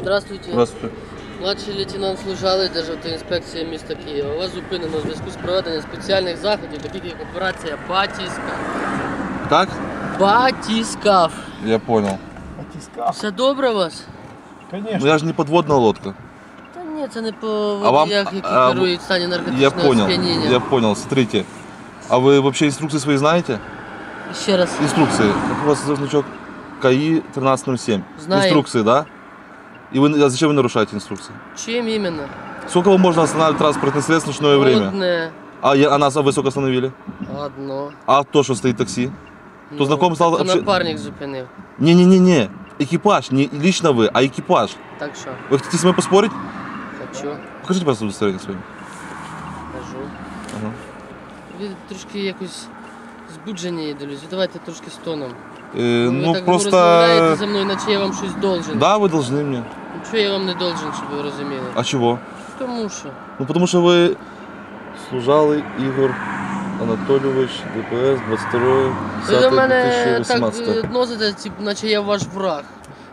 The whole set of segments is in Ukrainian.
Здравствуйте. Здравствуйте. Младший лейтенант Служалий, Державтоінспекція міста Києва. Вас зупинено у зв'язку з проведенням спеціальних заходів, таких як операція «Батіскаф». Как? Батіскаф. Я понял. Батискаф. Все добре у вас? Ну Конечно. я же не подводная лодка. Та ні, це не по А вам- водіях, які а, керують в стані Я наркотичного понял. сп'яніння. Я понял. Смотрите. А вы вообще инструкции свои знаете? Ще раз. Инструкции. Как у вас значок КАИ 1307? Знаем. Инструкции, да? И вы, а зачем вы нарушаете инструкции? Чим іменно? Сколько вам можно останавливать транспортное средство в ночное время? Одне. А нас вы сколько остановили? Одно. А то, что стоит такси? То знаком стал то вообще- напарник зупинив. Не-не-не-не. Экипаж. Не лично вы, а экипаж. Так що? Вы хотите с мной поспорить? Хочу. Покажите, пожалуйста, удостоверение свое. Кажу. Ага. Ви трошки якось збуджені їдолюсь. Давайте трошки з тоном. Ви Ну так просто... розмовляєте за мною, наче я вам щось должен. Да, вы должны мне. Нічого я вам не должен, щоб ви розуміли. А чего? Тому що. Ну потому что вы Служалый Игорь Анатольевич, ДПС, 22 Ви до мене 2018. так відносите, наче я ваш враг.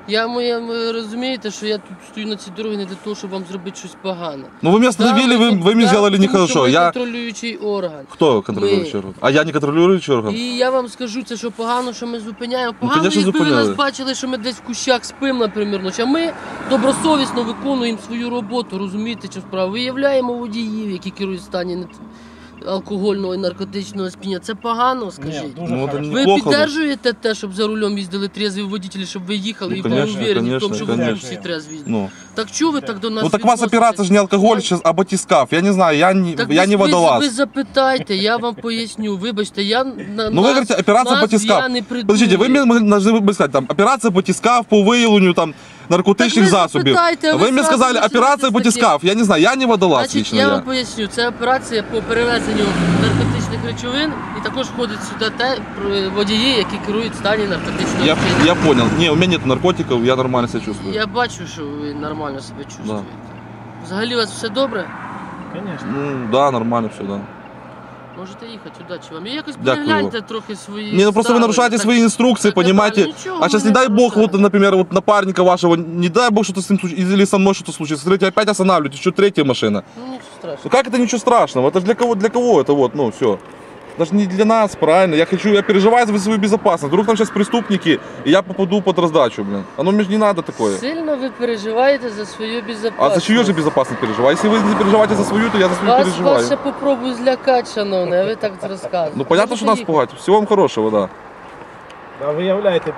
Ви розумієте, що я тут стою на цій дорозі не для того, щоб вам зробити щось погане. Ну вы меня остановили, вы мне сделали Тому що нехорошо. ви Я... контролюючий орган. Кто контролирующий орган? А я не контролирующий орган? І я вам скажу, це що погано, що ми зупиняємо. Ну, Погано, конечно, якби ви зупиняли. нас бачили, що ми десь в кущах спимо, наприклад, ночі. А ми добросовісно виконуємо свою роботу, розумієте, що справа. Виявляємо водіїв, які керують в стані алкогольного і наркотичного сп'яніння. Це погано, скажіть. Нет, дуже Ну, это хорошо. Ви неплохо. підтримуєте те, щоб за рулем їздили трезві водителі, щоб ви їхали Ну, і були конечно, уверені в тому, конечно, що ви тут конечно. всі трезві їздите. Ну. Так чого ви так до нас Ну так у вас відноситесь? операция же не алкоголь сейчас, а батискаф. Я не знаю, Так я не ви водолаз. запитайте, я вам поясню. Вибачте, я на Ну вы говорите, операция батискаф. я не придумую. Подождите, вы мне должны бы сказать, там, операция батискаф по виявленню там наркотичних Так ви засобів. запитайте, а Ви ви мені зразу сказали, починаєте операція з таких. батискаф. Я не знаю, я не водолаз Значить, лично. я вам поясню, це операція по перевезенню наркотичних речовин і також входить сюди водії, які керують в стані наркотичного сп'яніння. Я понял. Не, у меня нет наркотиков, я нормально себя чувствую. Я бачу, що ви нормально себе чувствуєте. Взагалі у вас все добре? Конечно. Ну, да, нормально все, да. Можете їхати, удачі вам. І якось Дякую. перегляньте трохи свої Не, ну просто вы ставлення, нарушаете так- свои инструкции, так понимаете? неправильно. Ничего А вы сейчас, не не дай бог, нарушаете. вот, например, вот напарника вашего, не дай бог, что-то с ним случится, или со мной что-то случится. Смотрите, опять останавливаетесь, еще третья машина. Ну нічого страшного. Ну как это ничего страшного? Это же для кого это вот, ну все. Даже не для нас, правильно. Я переживаю за свою безопасность. Вдруг там сейчас преступники, и я попаду под раздачу, блин. Оно мне же не надо такое. Сильно ви переживаєте за свою безпечність. А за чью же безопасность переживаю? Если вы не переживаете за свою, то я за свою Вас переживаю. ще попробую злякати, шановне, а ви так розказуєте. Ну понятно, что нас Можете пугать. Всего вам хорошего, да. Да, виявляєте